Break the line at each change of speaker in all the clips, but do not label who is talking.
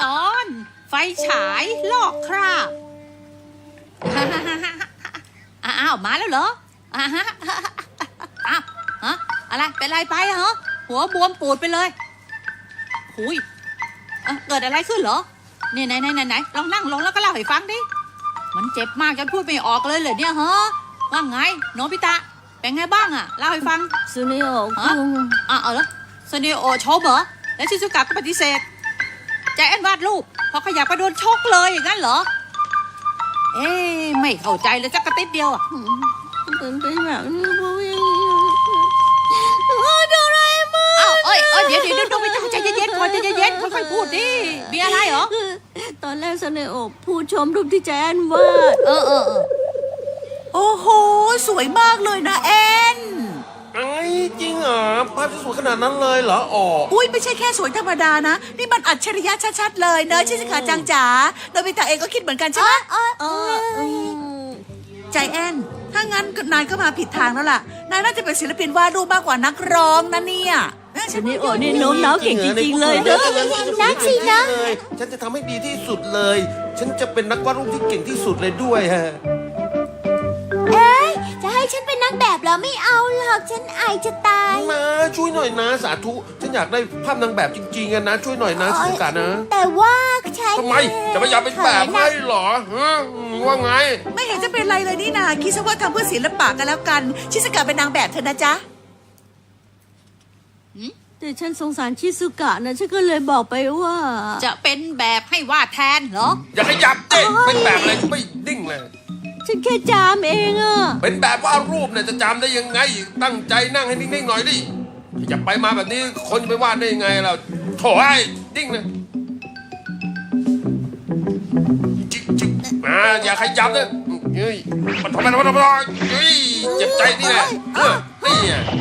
ตอนไฟฉายลอกคราบอ้าวมาแล้วเหรออ้าวฮะอะไรเป็นไรไปเหรอหัวบวมปูดไปเลยหุยเกิดอะไรขึ้นเหรอนี่ไหนลองนั่งลงแล้วก็เล่าให้ฟังดิมันเจ็บมากจนพูดไม่ออกเลยเหรอเนี่ยฮะว่าไงโนบิตะเป็นไงบ้างอะเล่าให้ฟัง
ซูเนโอ
เอาละซูเนโอชอบเหรอแล้วชิซุกะก็ปฏิเสธใจแอนวาดรูปพอขยับไปโดนชกเลยอย่างนั้นเหรอไม่เข้าใจเลยสักกระติดเดียวอ่ะ
เป็นแบบนี้เพราะอย่างนี้โดราเอมอน
เดี๋ยวโนบิตะใจเย็นๆก่อนใจเย็นๆค่อยๆพูดดิมีอะไรเหรอ
ตอนแรกซูเนโอพูดชมรูปที่ใจแอนวาด
โอ้โหสวยมากเลยนะแอน
ไอ้จริงเหรอภาพสวยขนาดนั้นเลยเหรอ
อุ้ยไม่ใช่แค่สวยธรรมดานะนี่มันอัจฉริยะชัดๆเลยเนอะชิสกาจังจ๋าโนบิตะเองก็คิดเหมือนกันใช่ไหมใจแอนถ้างั้นนายก็มาผิดทางแล้วล่ะนายน่าจะเป็นศิลปินวาดรูปมากกว่านักร้องนะเนี่ย
ซูเนโอนี่โน้มน้าวเก่งจริงๆเลยเนอะ
นักสินะฉันจะทำให้ดีที่สุดเลยฉันจะเป็นนักวาดรูปที่เก่งที่สุดเลยด้วยฮะ
จะให้ฉันเป็นนางแบบเหรอไม่เอาหรอกฉันอายจะตาย
นะช่วยหน่อยนะสาธุฉันอยากได้ภาพนางแบบจริงๆนะช่วยหน่อยนะชิสกะนะ
แต่ว่าฉัน
ทำไมจะไม่อยากเป็นแบบให้หรอว่าไง
ไม่เห็นจะเป็นไรเลยนี่นาคิดซะว่าทำเพื่อศิลปะกันแล้วกันชิสกะเป็นนางแบบเถอะนะจ๊ะ
แต่ฉันสงสารชิซุกะนะฉันก็เลยบอกไปว่า
จะเป็นแบบให้วาดแทนเหรอ
อย่าขยับเต้เป็นแบบอะไรไม่ดิ้งเลย
ฉันแค่จามเองอะ
เป็นแบบว่ารูปเนี่ยจะจำได้ยังไงตั้งใจนั่งให้นิ่งๆหน่อยดิอย่าไปมาแบบนี้คนจะไปวาดได้ยังไงเราโถ่ไอ้ดิ้งเลยจิ๊กอย่าขยับเลยเฮ้ยมันทำไมเฮ้ยเจ็บใจนี่แหละนี่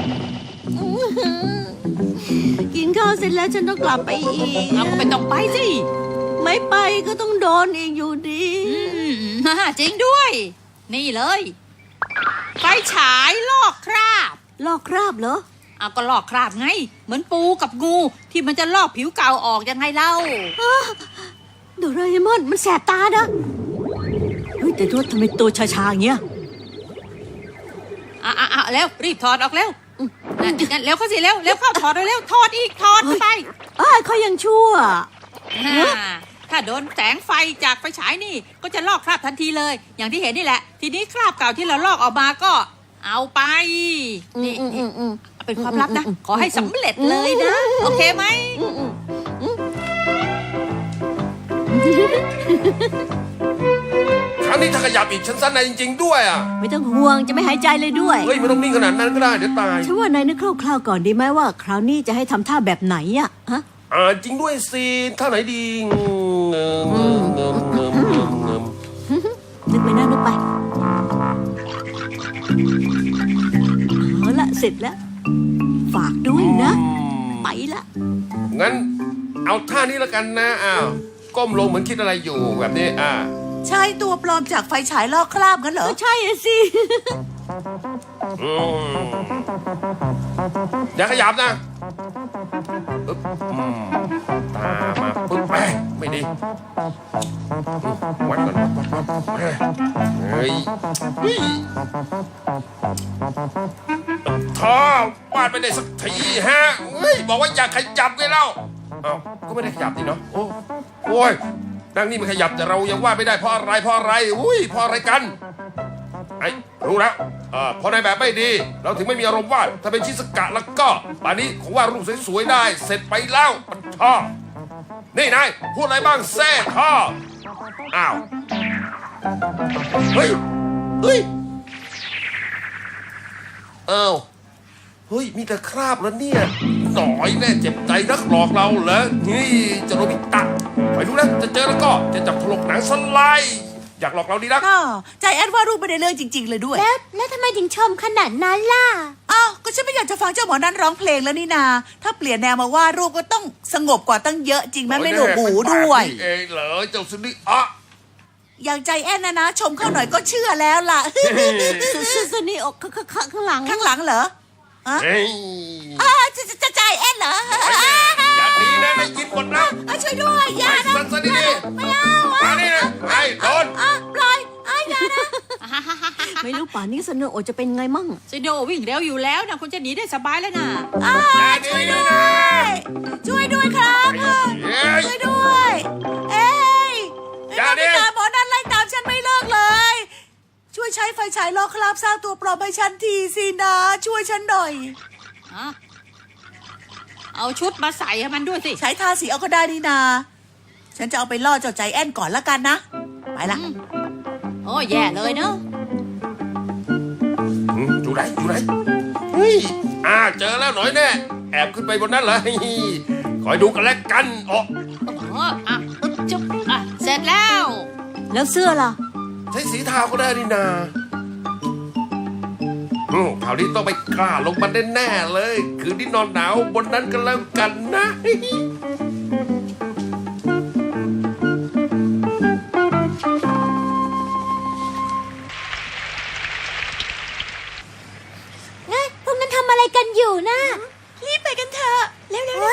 กินข้าวเสร็จแล้วฉันต้องกลับไปอีก
ก็ไม่ต้องไปสิ
ไม่ไปก็ต้องโดนอีกอยู่ดี
จริงด้วยนี่เลยไฟฉายลอกคราบ
ลอกคราบเหรอ
ก็ลอกคราบไงเหมือนปูกับงูที่มันจะลอกผิวเก่าออกยังไงเล่า
โดราเอมอนมันแสบตานะเฮ้ยแต่ทำไมตัวชาๆอย่างเงี้ย
แล้วรีบถอดออกแล้วงั้นเร็วเข้าสิเร็วเข้าถอดเร็วถอดอีกถอดไป
เขายังชั่ว
ถ้าโดนแสงไฟจากไฟฉายนี่ก็จะลอกคราบทันทีเลยอย่างที่เห็นนี่แหละทีนี้คราบเก่าที่เราลอกออกมาก็เอาไปนี่เป็นความลับนะขอให้สำเร็จเลยนะโอเคไหม
ครั้งนี้ถ้าขยับอีกฉันสั้นในจริงๆด้วย
ไม่ต้องห่วงจะไม่หายใจเลยด้วย
เฮ้ยไม่ต้องนิ่งขนาดนั้นก็ได้เดี๋ยวตาย
ฉันว่านายนึกคร่าวๆก่อนดีไหมว่าคราวนี้จะให้ทำท่าแบบไหนฮะ
จริงด้วยสิท่าไหนดี
นึกไปนะนึกไปเอาละเสร็จแล้วฝากด้วยนะไปละ
งั้นเอาท่านี้แล้วกันนะก้มลงเหมือนคิดอะไรอยู่แบบนี้
ใช่ตัวปลอมจากไฟฉายลอกคราบงั้นเหรอ
ใช่สิ
อย่าขยับนะตามาปึ๊บไม่ดีวัดก่อนเฮ้ยท่อวาดไปได้สักทีฮะเฮ้ยบอกว่าอย่าขยับเลยเล่าก็ไม่ได้ขยับนี่เนาะโอ้ยดังนี้มันขยับแต่เรายังวาดไม่ได้เพราะอะไรอุ้ยเพราะอะไรกันรู้แล้วพอนายแบบไม่ดีเราถึงไม่มีอารมณ์วาดถ้าเป็นชิสกะแล้วก็ป่านนี้คงวาดรูปสวยๆได้เสร็จไปแล้วท่อนี่นายพูดอะไรบ้างแซ่ท่อเฮ้ยเฮ้ยมีแต่คราบแล้วเนี่ยหน่อยแน่เจ็บใจนักหลอกเราเหรอนี่จะโนบิตะไปดูนะจะเจอแล้วก็จะจับถลกหนังสไลด์อยากหลอกเราดีนัก
ใจแอนว่ารูปไม่ได้เรื่องจริงๆเลยด้วย
แล้วทำไมถึงชมขนาดนั้นล่ะ
ก็ฉันไม่อยากจะฟังเจ้าหมอนั้นร้องเพลงแล้วนี่นาถ้าเปลี่ยนแนวมาว่ารูปก็ต้องสงบกว่าตั้งเยอะจริงไหมไม่หนวกหูด้วย
เองเหรอเจ้าสุนิ
อย่างใจแอนนะชมเข้าหน่อยก็เชื่อแล้วล่ะ
สุนิอกข้างห
ลังเหรอจะใจแอนเหรอ
อย่าดีนะได้ยินหมดแล้ว
ช่วยด้วยอย่านะ
สันดีๆไม่เอามานี่นะไอ้โดน
ปล่อยอย่านะ
ไม่รู้ป่านนี้สโนโอจะเป็นไงมั่ง
ซิโดวิ่งเร็วอยู่แล้วนะคุณจะหนีได้สบายแล้วนะ
อย่าดีนะ
ช่วยด้วยครับ
เฮ้ย
ช่วยด้วยเอ้ย
อย่าดิ
หมอนั่นไล่ตามฉันไม่เลิกเลย ช่วยใช้ไฟฉายลอกคราบสร้างตัวปลอมให้ฉันทีสินะ ช่วยฉันหน่อย
อ่ะเอาชุดมาใส่ให้มันด้วยสิ
ใช้ทาสีเอาก็ได้นี่นา ฉันจะเอาไปล่อเจ้าใจแอนก่อนละกันนะ ไปละ
โอ้แย่เลยเนาะ
อยู่ไหนเฮ้ยเจอแล้วหน่อยแน่แอบขึ้นไปบนนั้นเลยคอยดูกันแล้วกันอ๋อ
อ่ะจุ๊บอ่ะเสร็จแล้ว
แล้วเสื้อล่ะ
ใช้สีเทาก็ได้นี่นาคราวนี้ต้องไปกล้าลงมาแน่ๆเลย คืนนี้นอนหนาวบนนั้นกันแล้วกันนะ
งั้นพวกนั้นทำอะไรกันอยู่นะ
รีบไปกันเถอะ เร็ว